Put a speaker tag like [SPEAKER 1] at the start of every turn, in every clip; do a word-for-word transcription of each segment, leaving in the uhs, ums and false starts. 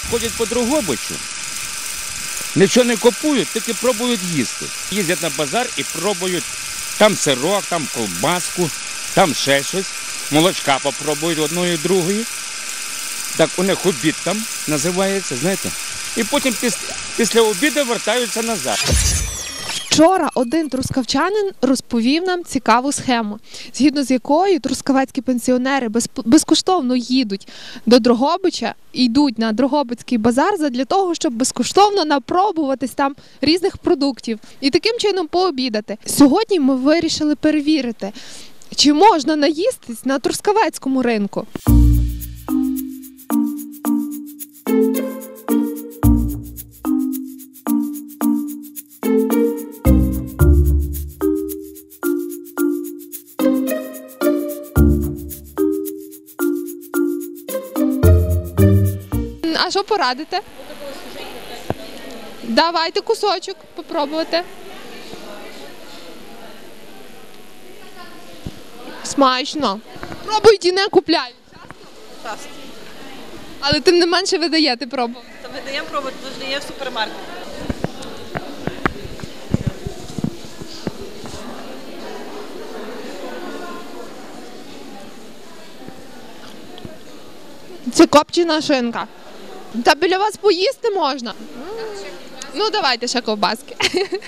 [SPEAKER 1] ходять по Дрогобичу, нічого не купують, тільки пробують їсти. Їздять на базар і пробують там сирок, там ковбаску, там ще щось. Молочка попробують одної, другої. Так у них обід там називається, знаєте. І потім після, після обіду вертаються назад.
[SPEAKER 2] Вчора один трускавчанин розповів нам цікаву схему, згідно з якою трускавецькі пенсіонери без, безкоштовно їдуть до Дрогобича і йдуть на Дрогобицький базар задля того, щоб безкоштовно напробуватись там різних продуктів і таким чином пообідати. Сьогодні ми вирішили перевірити, чи можна наїстись на трускавецькому ринку. А що порадите? Давайте кусочок попробувати. Смачно. Пробують і не купляють.
[SPEAKER 3] Часто.
[SPEAKER 2] Але тим не менше ви даєте пробувати.
[SPEAKER 3] Та ми даємо пробувати, завжди є в супермаркеті.
[SPEAKER 2] Це копчена шинка. Та біля вас поїсти можна. Ну, давайте ще ковбаски.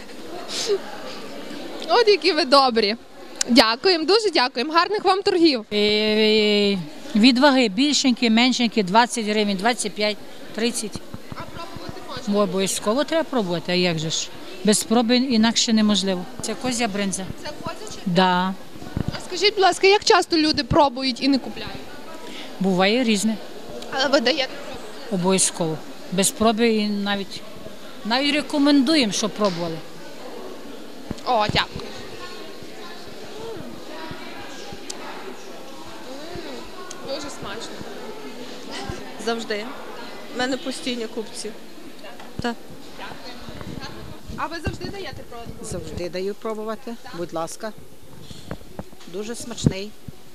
[SPEAKER 2] От які ви добрі. Дякуємо, дуже дякуємо. Гарних вам торгів.
[SPEAKER 4] Е, Від ваги більшенькі, меншенькі, двадцять гривень, двадцять п'ять, тридцять.
[SPEAKER 2] А пробувати можна?
[SPEAKER 4] Обов'язково треба пробувати, а як же ж? Без спроби інакше неможливо. Це козя бринза.
[SPEAKER 2] Це козяче?
[SPEAKER 4] Да.
[SPEAKER 2] А скажіть, будь ласка, як часто люди пробують і не купляють?
[SPEAKER 4] Буває різне.
[SPEAKER 2] Але ви даєте пробувати?
[SPEAKER 4] Обов'язково. Без спроби і навіть, навіть рекомендуємо, щоб пробували.
[SPEAKER 2] О, дякую. Дуже смачно.
[SPEAKER 3] Завжди. У мене постійні купці. Так.
[SPEAKER 2] А ви завжди даєте пробувати?
[SPEAKER 5] Завжди даю пробувати, будь ласка. Дуже смачний.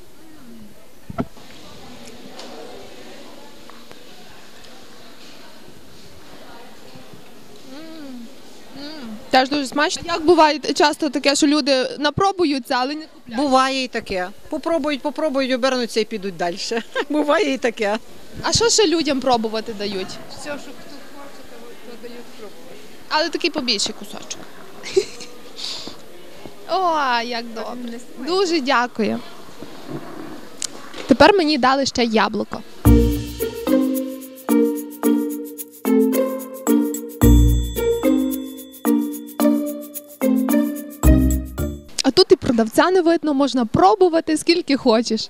[SPEAKER 2] Теж дуже смачно. Як буває часто таке, що люди напробуються, але не купляють?
[SPEAKER 5] Буває і таке. Попробують, попробують, обернуться і підуть далі. Буває і таке.
[SPEAKER 2] А що ще людям пробувати дають?
[SPEAKER 6] Все, що хто хоче, то дають пробувати.
[SPEAKER 2] Але такий побільший кусочок. О, як добре. Дуже дякую. Тепер мені дали ще яблуко. А тут і продавця не видно, можна пробувати скільки хочеш.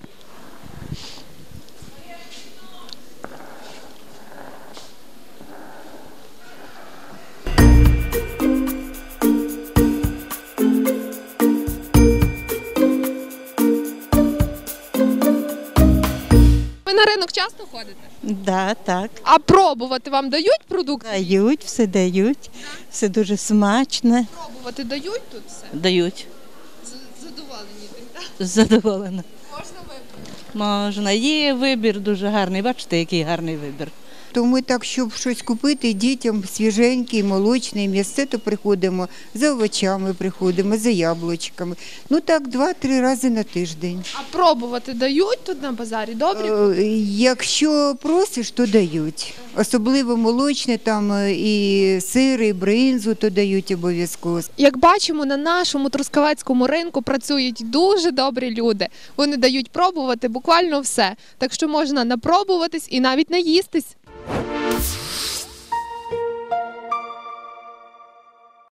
[SPEAKER 2] Ви на ринок часто ходите?
[SPEAKER 7] Да, так.
[SPEAKER 2] А пробувати вам дають продукти?
[SPEAKER 7] Дають, все дають, все дуже смачне.
[SPEAKER 2] Пробувати дають тут все?
[SPEAKER 7] Дають.
[SPEAKER 2] З- Задоволені тим, так?
[SPEAKER 7] Задоволена.
[SPEAKER 2] Можна вибрати?
[SPEAKER 7] Можна. Є вибір дуже гарний. Бачите, який гарний вибір.
[SPEAKER 8] То ми так, щоб щось купити дітям свіженький, молочний, м'ясце, то приходимо, за овочами приходимо, за яблучками. Ну так, два-три рази на тиждень.
[SPEAKER 2] А пробувати дають тут на базарі? Добрі?
[SPEAKER 8] Е, Якщо просиш, то дають. Особливо молочне, там е, і сир, і бринзу, то дають обов'язково.
[SPEAKER 2] Як бачимо, на нашому трускавецькому ринку працюють дуже добрі люди. Вони дають пробувати буквально все. Так що можна напробуватись і навіть наїстись.